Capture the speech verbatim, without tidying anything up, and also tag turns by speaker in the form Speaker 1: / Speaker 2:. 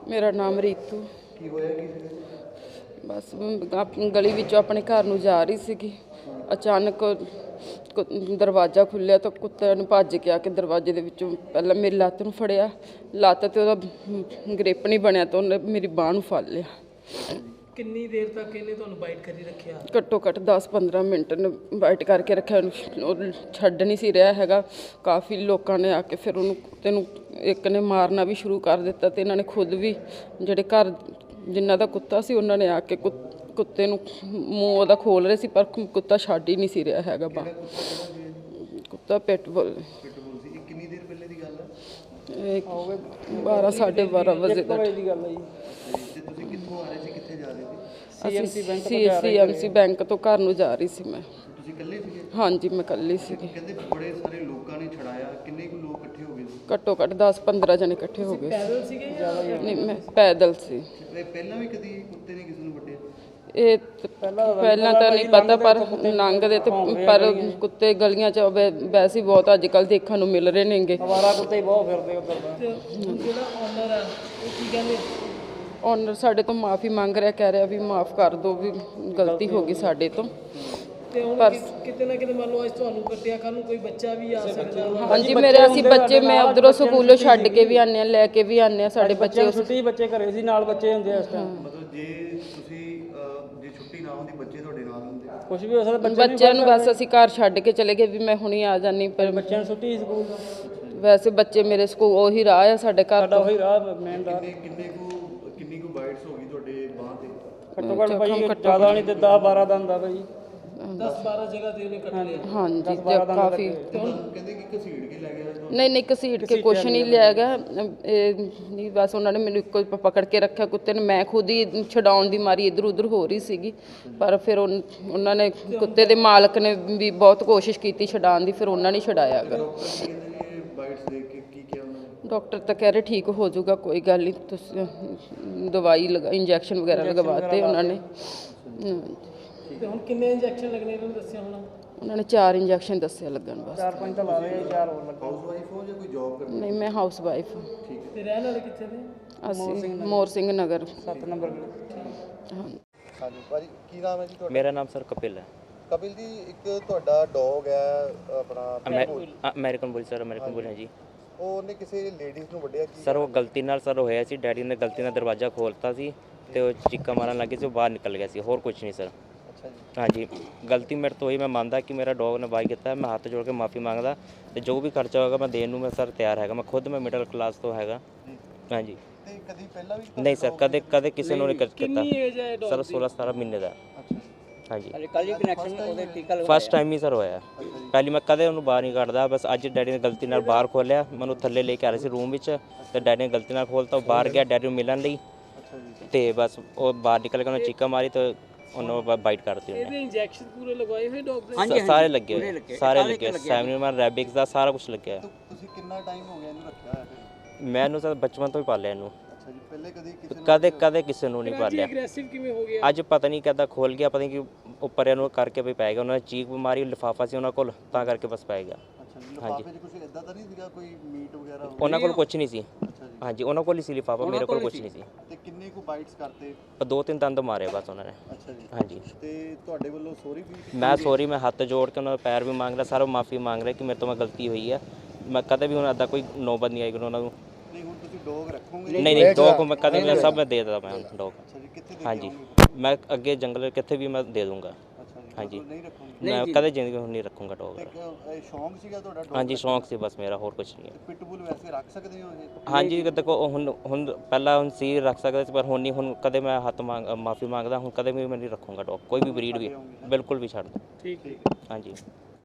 Speaker 1: ਮੇਰਾ ਨਾਮ ਰੀਤੂ।
Speaker 2: ਕੀ ਹੋਇਆ ਕੀ ਸੀ?
Speaker 1: ਬਸ ਆਪਣੀ ਗਲੀ ਵਿੱਚੋਂ ਆਪਣੇ ਘਰ ਨੂੰ ਜਾ ਰਹੀ ਸੀਗੀ, ਅਚਾਨਕ ਕੁ- ਦਰਵਾਜ਼ਾ ਖੁੱਲ੍ਹਿਆ ਤਾਂ ਕੁੱਤੇ ਨੂੰ ਭੱਜ ਕੇ ਆ ਕੇ ਦਰਵਾਜ਼ੇ ਦੇ ਵਿੱਚੋਂ ਪਹਿਲਾਂ ਮੇਰੀ ਲੱਤ ਨੂੰ ਫੜਿਆ, ਲੱਤ 'ਤੇ ਉਹਦਾ ਗ੍ਰਿਪ ਨਹੀਂ ਬਣਿਆ ਤਾਂ ਉਹਨੇ ਮੇਰੀ ਬਾਂਹ ਨੂੰ ਫੜ ਲਿਆ।
Speaker 3: ਕਿੰਨੀ ਦੇਰ ਤੱਕ ਇਹਨੇ ਤੁਹਾਨੂੰ ਬਾਈਟ ਕਰੀ ਰੱਖਿਆ?
Speaker 1: ਘੱਟੋ ਘੱਟ ਦਸ ਪੰਦਰਾਂ ਮਿੰਟ ਨੇ ਬਾਈਟ ਕਰਕੇ ਰੱਖਿਆ ਉਹਨੂੰ, ਉਹ ਛੱਡ ਨਹੀਂ ਸੀ ਰਿਹਾ ਹੈਗਾ। ਕਾਫੀ ਲੋਕਾਂ ਨੇ ਆ ਕੇ ਫਿਰ ਉਹਨੂੰ ਕੁੱਤੇ ਨੂੰ ਇੱਕ ਨੇ ਮਾਰਨਾ ਵੀ ਸ਼ੁਰੂ ਕਰ ਦਿੱਤਾ ਅਤੇ ਇਹਨਾਂ ਨੇ ਖੁਦ ਵੀ ਜਿਹੜੇ ਘਰ ਜਿਨ੍ਹਾਂ ਦਾ ਕੁੱਤਾ ਸੀ ਉਹਨਾਂ ਨੇ ਆ ਕੇ ਕੁ ਕੁੱਤੇ ਨੂੰ ਮੂੰਹ ਉਹਦਾ ਖੋਲ੍ਹ ਰਹੇ ਸੀ, ਪਰ ਕੁੱਤਾ ਛੱਡ ਹੀ ਨਹੀਂ ਸੀ ਰਿਹਾ ਹੈਗਾ। ਬਾ ਕੁੱਤਾ ਪਿਟਬੁਲ।
Speaker 2: ਪਿਟਬੁਲ ਸੀ। ਇਹ ਕਿੰਨੀ ਦੇਰ ਪਹਿਲੇ ਦੀ ਗੱਲ ਹੈ?
Speaker 1: ਇਹ ਬਾਰਾਂ ਸਾਢੇ ਬਾਰਾਂ ਵਜੇ ਦਾ
Speaker 3: ਦੀ ਗੱਲ ਹੈ ਜੀ।
Speaker 2: ਤੇ ਤੁਸੀਂ ਕਿੱਥੋਂ ਆ ਰਹੇ ਸੀ, ਕਿੱਥੇ ਜਾ ਰਹੇ ਸੀ?
Speaker 1: ਅਸੀਂ ਸੀ ਐਮ ਸੀ ਬੈਂਕ ਤੋਂ ਘਰ ਨੂੰ ਜਾ ਰਹੀ ਸੀ ਮੈਂ।
Speaker 2: ਤੁਸੀਂ ਇਕੱਲੇ ਸੀਗੇ?
Speaker 1: ਹਾਂਜੀ ਮੈਂ ਇਕੱਲੀ ਸੀਗੀ।
Speaker 2: ਕਹਿੰਦੇ ਬੜੇ ਸਾਰੇ ਲੋਕਾਂ ਨੇ ਛੜਾਇਆ, ਕਿੰਨੇ ਕੁ ਲੋਕ ਇਕੱਠੇ ਹੋ ਗਏ ਸੀ?
Speaker 1: ਘੱਟੋ ਘੱਟ ਦਸ ਪੰਦਰਾਂ ਜਣੇ ਇਕੱਠੇ ਹੋ ਗਏ ਸੀ।
Speaker 3: ਪੈਦਲ ਸੀਗੇ ਜਾਂ
Speaker 1: ਨਹੀਂ ਮੈਂ ਪੈਦਲ ਸੀ।
Speaker 2: ਤੇ ਪਹਿਲਾਂ ਵੀ ਕਦੀ ਕੁੱਤੇ ਨੇ ਕਿਸੇ ਨੂੰ ਵੱਢਿਆ?
Speaker 1: ਇਹ ਤ- ਪਹਿਲਾਂ ਤਾਂ ਨਹੀਂ ਪਤਾ, ਪਰ ਲੰਘਦੇ ਤੇ ਪਰ ਕੁੱਤੇ ਗਲੀਆਂ 'ਚ ਵੈ- ਵੈਸੇ ਹੀ ਬਹੁਤ ਅੱਜ ਕੱਲ੍ਹ ਦੇਖਣ ਨੂੰ ਮਿਲ ਰਹੇ ਨੇਗੇ।
Speaker 3: ਅਵਾਰਾ ਕੁੱਤੇ ਬਹੁਤ ਫਿਰਦੇ ਉੱਧਰ ਦਾ। ਜਿਹੜਾ ਓਨਰ ਆ ਉਹ ਕੀ ਕਹਿੰਦੇ?
Speaker 1: ਓਨਰ ਸਾਡੇ ਤੋਂ ਮਾਫੀ ਮੰਗ ਰਿਹਾ, ਕਹਿ ਰਿਹਾ ਵੀ ਮਾਫ ਕਰ ਦਿਓ, ਵੀ ਗਲਤੀ ਹੋ ਗਈ ਸਾਡੇ ਤੋਂ।
Speaker 3: ਤੇ ਹੁਣ
Speaker 1: ਪਰ
Speaker 3: ਕਿ- ਕਿਤੇ ਨਾ ਕਿਤੇ ਮੰਨ ਲਓ ਅੱਜ ਤੁਹਾਨੂੰ ਕੱਟਿਆ, ਕੱਲ੍ਹ ਨੂੰ ਕੋਈ ਬੱਚਾ ਵੀ ਆ ਸਕਦਾ।
Speaker 1: ਹਾਂਜੀ ਮੇਰੇ ਅਸੀਂ ਬੱਚੇ ਮੈਂ ਉਧਰੋਂ ਸਕੂਲੋਂ ਛੱਡ ਕੇ ਵੀ ਆਉਂਦੇ ਹਾਂ, ਲੈ ਕੇ ਵੀ ਆਉਂਦੇ ਹਾਂ। ਸਾਡੇ ਬੱਚੇ
Speaker 3: ਛੁੱਟੀ ਬੱਚੇ ਘਰੇ ਸੀ, ਨਾਲ ਬੱਚੇ ਹੁੰਦੇ ਆ ਇਸ ਟਾਈਮ।
Speaker 2: ਮਤਲਬ ਜੇ ਤੁਸੀਂ ਅਹ, ਜੇ ਛੁੱਟੀ ਨਾ ਹੁੰਦੀ ਬੱਚੇ ਤੁਹਾਡੇ ਨਾਲ ਹੁੰਦੇ?
Speaker 3: ਕੁਝ ਵੀ ਹੋ ਸਕਦਾ।
Speaker 1: ਬੱਚਿਆਂ ਨੂੰ ਬਸ ਅਸੀਂ ਘਰ ਛੱਡ ਕੇ ਚਲੇ ਗਏ ਵੀ ਮੈਂ ਹੁਣੀ ਆ ਜਾਨੀ, ਪਰ
Speaker 3: ਬੱਚਿਆਂ ਨੂੰ ਛੁੱਟੀ ਸਕੂਲ ਦਾ,
Speaker 1: ਵੈਸੇ ਬੱਚੇ ਮੇਰੇ ਸਕੂਲ ਉਹੀ ਰਾਹ ਆ ਸਾਡੇ ਘਰ
Speaker 3: ਸਾਡਾ
Speaker 1: ਤੋਂ।
Speaker 3: ਉਹੀ ਰਾਹ ਮੇਨ ਰਾਹ।
Speaker 2: ਕਿੰਨੇ ਕਿੰਨੇ ਕੁ ਕਿੰਨੀ ਕੁ ਬਾਈਟਸ ਹੋ ਗਈ ਤੁਹਾਡੇ ਬਾਂਹ ਤੇ?
Speaker 3: ਘੱਟੋ ਘੱਟ ਭਾਈ ਜ਼ਿਆਦਾ ਨਹੀਂ ਤੇ ਦਸ ਬਾਰਾਂ ਦਾ ਹੁੰਦਾ ਭਾਈ। ਦਸ ਬਾਰਾਂ ਜਗ੍ਹਾ ਤੇ ਉਹਨੇ ਕੱਟ ਲਿਆ।
Speaker 1: ਹਾਂਜੀ ਤੇ ਕਾਫੀ।
Speaker 2: ਕਹਿੰਦੇ ਕਿ ਘਸੀੜ ਕੇ ਲੈ ਗਿਆ ਤੁਹਾਨੂੰ?
Speaker 1: ਨਹੀਂ ਨਹੀਂ ਘਸੀਟ ਕੇ ਕੁਛ ਨਹੀਂ ਲਿਆ ਗਿਆ। ਇਹ ਨਹੀਂ ਬਸ ਉਹਨਾਂ ਨੇ ਮੈਨੂੰ ਇੱਕੋ ਹੀ ਪਕੜ ਕੇ ਰੱਖਿਆ ਕੁੱਤੇ ਨੇ। ਮੈਂ ਖੁਦ ਹੀ ਛਡਾਉਣ ਦੀ ਮਾਰੀ ਇੱਧਰ ਉੱਧਰ ਹੋ ਰਹੀ ਸੀਗੀ, ਪਰ ਫਿਰ ਉਨ- ਉਹਨਾਂ ਨੇ ਕੁੱਤੇ ਦੇ ਮਾਲਕ ਨੇ ਵੀ ਬਹੁਤ ਕੋਸ਼ਿਸ਼ ਕੀਤੀ ਛਡਾਉਣ ਦੀ, ਫਿਰ ਉਹਨਾਂ ਨੇ ਛਡਾਇਆ ਗਾ।
Speaker 2: ਡਾਕਟਰ ਕਹਿੰਦੇ ਜੀ ਬਾਈਟਸ ਦੇਖ ਕੇ ਕੀ ਕਿਹਾ ਉਹਨਾਂ ਨੇ?
Speaker 1: ਡਾਕਟਰ ਤਾਂ ਕਹਿ ਰਹੇ ਠੀਕ ਹੋ ਜਾਊਗਾ, ਕੋਈ ਗੱਲ ਨਹੀਂ, ਤੁਸੀਂ ਦਵਾਈ ਲਗਾ ਇੰਜੈਕਸ਼ਨ ਵਗੈਰਾ ਲਗਵਾਤੇ ਉਹਨਾਂ ਨੇ।
Speaker 3: ਤੇ ਹੁਣ ਕਿੰਨੇ ਇੰਜੈਕਸ਼ਨ ਲੱਗਣੇ ਇਹਨਾਂ ਨੇ ਦੱਸਿਆ ਹੋਣਾ?
Speaker 1: ਉਹਨਾਂ ਨੇ ਚਾਰ ਇੰਜੈਕਸ਼ਨ ਦੱਸਿਆ ਲੱਗਣ ਬਸ।
Speaker 3: ਚਾਰ ਪੰਜ ਤਾਂ ਲਾ ਰਹੇ, ਚਾਰ ਹੋਰ ਲੱਗਾ।
Speaker 2: ਹਾਊਸ ਵਾਈਫ ਹੋ ਜਾਂ ਕੋਈ ਜੌਬ ਕਰਦੇ?
Speaker 1: ਨਹੀਂ ਮੈਂ ਹਾਊਸ ਵਾਈਫ।
Speaker 2: ਠੀਕ ਹੈ।
Speaker 3: ਤੇ ਰਹਿਣ ਵਾਲੇ ਕਿੱਥੇ ਦੇ?
Speaker 1: ਅਸੀਂ ਮੋਰ ਸਿੰਘ ਨਗਰ।
Speaker 3: ਸੱਤ ਨੰਬਰ।
Speaker 1: ਹਾਂ
Speaker 2: ਹਾਂਜੀ ਭਾਜੀ, ਕੀ ਨਾਮ ਹੈ ਜੀ ਤੁਹਾਡਾ?
Speaker 4: ਮੇਰਾ ਨਾਮ ਸਰ ਕਪਿਲ ਹੈ।
Speaker 2: ਕਪਿਲ ਜੀ, ਇੱਕ ਤੁਹਾਡਾ ਡੌਗ ਹੈ ਆਪਣਾ
Speaker 4: American bull sir, American bull ਹੈ ਜੀ।
Speaker 2: ਉਹਨੇ ਕਿਸੇ ਲੇਡੀਜ਼ ਨੂੰ ਵੱਢਿਆ ਕੀ?
Speaker 4: ਸਰ ਉਹ ਗਲਤੀ ਨਾਲ ਸਰ ਹੋਇਆ ਸੀ, ਡੈਡੀ ਨੇ ਗਲਤੀ ਨਾਲ ਦਰਵਾਜ਼ਾ ਖੋਲ੍ਹਤਾ ਸੀ ਤੇ ਉਹ ਚੀਕਾ ਮਾਰਨ ਲੱਗੇ ਸੀ, ਉਹ ਬਾਹਰ ਨਿਕਲ ਗਿਆ ਸੀ, ਹੋਰ ਕੁਝ ਨਹੀਂ ਸਰ।
Speaker 2: ਅੱਛਾ ਜੀ।
Speaker 4: ਹਾਂਜੀ ਗਲਤੀ ਮੇਰੇ ਤੋਂ ਹੋਈ, ਮੈਂ ਮੰਨਦਾ ਕਿ ਮੇਰਾ ਡੌਗ ਨੇ ਬਾਈ ਕੀਤਾ, ਮੈਂ ਹੱਥ ਜੋੜ ਕੇ ਮਾਫੀ ਮੰਗਦਾ ਤੇ ਜੋ ਵੀ ਖਰਚਾ ਹੋਏਗਾ ਮੈਂ ਦੇਣ ਨੂੰ ਮੈਂ ਸਰ ਤਿਆਰ ਹੈਗਾ। ਮੈਂ ਖੁਦ ਮੈਂ ਮਿਡਲ ਕਲਾਸ ਤੋਂ ਹੈਗਾ। ਹਾਂਜੀ
Speaker 2: ਤੇ ਕਦੀ ਪਹਿਲਾਂ ਵੀ
Speaker 4: ਨਹੀਂ ਸਰ, ਕਦੇ ਕਦੇ ਕਿਸੇ ਨੂੰ ਨਹੀਂ ਕੀਤਾ
Speaker 3: ਕਿੰਨੀ ਏਜ ਹੈ ਡੌਗ
Speaker 4: ਸਰ। ਸੋਲਾਂ ਸਤਾਰਾਂ ਮਹੀਨੇ ਦਾ।
Speaker 2: ਅੱਛਾ
Speaker 4: ਹਾਂਜੀ
Speaker 3: ਕੱਲ ਹੀ ਕਨੈਕਸ਼ਨ ਉਹਦੇ ਟੀਕਾ
Speaker 4: ਫਸਟ ਟਾਈਮ ਹੀ ਸਰ ਹੋਇਆ। ਪਹਿਲੀ ਮੈਂ ਕਦੇ ਉਹਨੂੰ ਬਾਹਰ ਨਹੀਂ ਕੱਢਦਾ, ਬਸ ਅੱਜ ਡੈਡੀ ਨੇ ਗਲਤੀ ਨਾਲ ਬਾਹਰ ਖੋਲ੍ਹਿਆ, ਮੈਨੂੰ ਥੱਲੇ ਲੈ ਕੇ ਆ ਰਹੇ ਸੀ ਰੂਮ ਵਿੱਚ ਤੇ ਡੈਡੀ ਨੇ ਗਲਤੀ ਨਾਲ ਖੋਲ੍ਹਤਾ, ਉਹ ਬਾਹਰ ਗਿਆ ਡੈਡੀ ਨੂੰ ਮਿਲਣ ਲਈ ਤੇ ਬਸ ਉਹ ਬਾਹਰ ਨਿਕਲ ਕੇ ਉਹਨੇ ਚੀਕਾ ਮਾਰੀ ਤੇ ਉਹਨੂੰ ਬਾਈਟ ਕਰਤੀ ਉਹਨੇ।
Speaker 3: ਇਹਦੇ ਇੰਜੈਕਸ਼ਨ ਪੂਰੇ ਲਗਵਾਏ ਹੋਏ ਡੌਗ ਦੇ?
Speaker 4: ਸਾਰੇ ਲੱਗੇ ਹੋਏ, ਸਾਰੇ ਲੱਗੇ, ਸੈਵਨਮਨ ਰੈਬਿਕਸ ਦਾ ਸਾਰਾ ਕੁਝ ਲੱਗਿਆ।
Speaker 2: ਤੁਸੀਂ ਕਿੰਨਾ ਟਾਈਮ ਹੋ ਗਿਆ ਇਹਨੂੰ ਰੱਖਿਆ ਹੋਇਆ ਫਿਰ?
Speaker 4: ਮੈਂ ਇਹਨੂੰ ਸਰ ਬਚਪਨ ਤੋਂ ਹੀ ਪਾਲਿਆ ਇਹਨੂੰ,
Speaker 2: ਅੱਛਾ ਜੀ। ਪਹਿਲੇ ਕਦੀ ਕਿਸੇ
Speaker 4: ਕਦੇ ਕਦੇ ਕਿਸੇ ਨੂੰ ਨਹੀਂ ਪਾਲਿਆ।
Speaker 3: ਐਗਰੈਸਿਵ ਕਿਵੇਂ ਹੋ ਗਿਆ?
Speaker 4: ਅੱਜ ਪਤਾ ਨਹੀਂ ਕਿੱਦਾਂ ਖੋਲ ਗਿਆ, ਪਤਾ ਨਹੀਂ ਕਿ ਉੱਪਰ ਇਹਨੂੰ ਕਰਕੇ ਵੀ ਪੈ ਗਿਆ। ਉਹਨਾਂ ਨੇ ਚੀਕ ਬਿਮਾਰੀ ਲਿਫਾਫਾ ਸੀ ਉਹਨਾਂ ਕੋਲ, ਤਾਂ ਕਰਕੇ ਬਸ ਪੈ ਗਿਆ।
Speaker 2: ਅੱਛਾ ਜੀ। ਲਿਫਾਫੇ 'ਚ ਕੁਝ ਇਦਾਂ ਤਾਂ ਨਹੀਂ ਸੀਗਾ ਕੋਈ ਮੀਟ ਵਗੈਰਾ?
Speaker 4: ਉਹਨਾਂ ਕੋਲ ਕੁਝ ਨਹੀਂ ਸੀ।
Speaker 2: ਅੱਛਾ ਜੀ।
Speaker 4: ਹਾਂਜੀ ਉਹਨਾਂ ਕੋਲ ਹੀ ਸੀ ਲਿਫਾਫਾ, ਮੇਰੇ ਕੋਲ ਕੁਝ ਨਹੀਂ ਸੀ।
Speaker 2: ਤੇ ਕਿੰਨੇ ਕੁ ਬਾਈਟਸ ਕਰਤੇ?
Speaker 4: ਪਰ ਦੋ ਤਿੰਨ ਦੰਦ ਮਾਰੇ ਬਸ ਉਹਨਾਂ ਨੇ।
Speaker 2: ਅੱਛਾ ਜੀ।
Speaker 4: ਹਾਂਜੀ
Speaker 2: ਤੇ ਤੁਹਾਡੇ ਵੱਲੋਂ ਸੌਰੀ ਵੀ?
Speaker 4: ਮੈਂ ਸੌਰੀ, ਮੈਂ ਹੱਥ ਜੋੜ ਕੇ ਉਹਨਾਂ ਦਾ ਪੈਰ ਵੀ ਮੰਗ ਰਿਹਾ, ਸਾਰਾ ਮਾਫੀ ਮੰਗ ਰਿਹਾ ਕਿ ਮੇਰੇ ਤੋਂ ਮੈਂ ਗਲਤੀ ਹੋਈ ਹੈ। ਮੈਂ ਕਦੇ ਵੀ ਹੁਣ ਇੱਦਾਂ ਕੋਈ ਨੌਬਤ ਨਹੀਂ ਆਈ ਕਿ ਉਹਨਾਂ ਨੂੰ।
Speaker 2: ਨਹੀਂ ਹੁਣ ਤੁਸੀਂ ਡੌਗ ਰੱਖੋਗੇ?
Speaker 4: ਨਹੀਂ ਨਹੀਂ ਡੌਗ ਮੈਂ ਕਦੇ ਮੈਂ ਸਭ ਮੈਂ ਦੇ ਦਿੰਦਾ ਮੈਂ ਡੌਗ।
Speaker 2: ਅੱਛਾ ਜੀ। ਕਿੱਥੇ ਦੇ?
Speaker 4: ਹਾਂਜੀ ਮੈਂ ਅੱਗੇ ਜੰਗਲ ਕਿੱਥੇ ਵੀ ਮੈਂ ਦੇ ਦੂੰਗਾ।
Speaker 2: ਅੱਛਾ ਜੀ।
Speaker 4: ਹਾਂਜੀ
Speaker 2: ਨਹੀਂ ਰੱਖੋਗੇ?
Speaker 4: ਮੈਂ ਕਦੇ ਜ਼ਿੰਦਗੀ ਹੁਣ ਨਹੀਂ ਰੱਖੂੰਗਾ ਡੌਗ।
Speaker 2: ਇੱਕ ਇਹ ਸ਼ੌਂਕ ਸੀਗਾ ਤੁਹਾਡਾ ਡੌਗ?
Speaker 4: ਹਾਂਜੀ ਸ਼ੌਂਕ ਸੀ ਬਸ ਮੇਰਾ, ਹੋਰ ਕੁਝ ਨਹੀਂ ਹੈ।
Speaker 2: ਪਿਟਬੁਲ ਵੈਸੇ ਰੱਖ ਸਕਦੇ ਹੋ ਇਹ?
Speaker 4: ਹਾਂਜੀ ਦੇਖੋ ਹੁਣ ਹੁਣ ਪਹਿਲਾਂ ਹੁਣ ਸੀ ਰੱਖ ਸਕਦੇ ਸੀ, ਪਰ ਹੁਣ ਨਹੀਂ। ਹੁਣ ਕਦੇ ਮੈਂ ਹੱਥ ਮੰਗ ਮਾਫੀ ਮੰਗਦਾ, ਹੁਣ ਕਦੇ ਵੀ ਮੈਂ ਨਹੀਂ ਰੱਖੂੰਗਾ ਡੌਗ, ਕੋਈ ਵੀ ਬਰੀਡ ਵੀ, ਬਿਲਕੁਲ ਵੀ ਛੱਡ ਦੋ।
Speaker 3: ਠੀਕ ਹੈ।
Speaker 4: ਹਾਂਜੀ।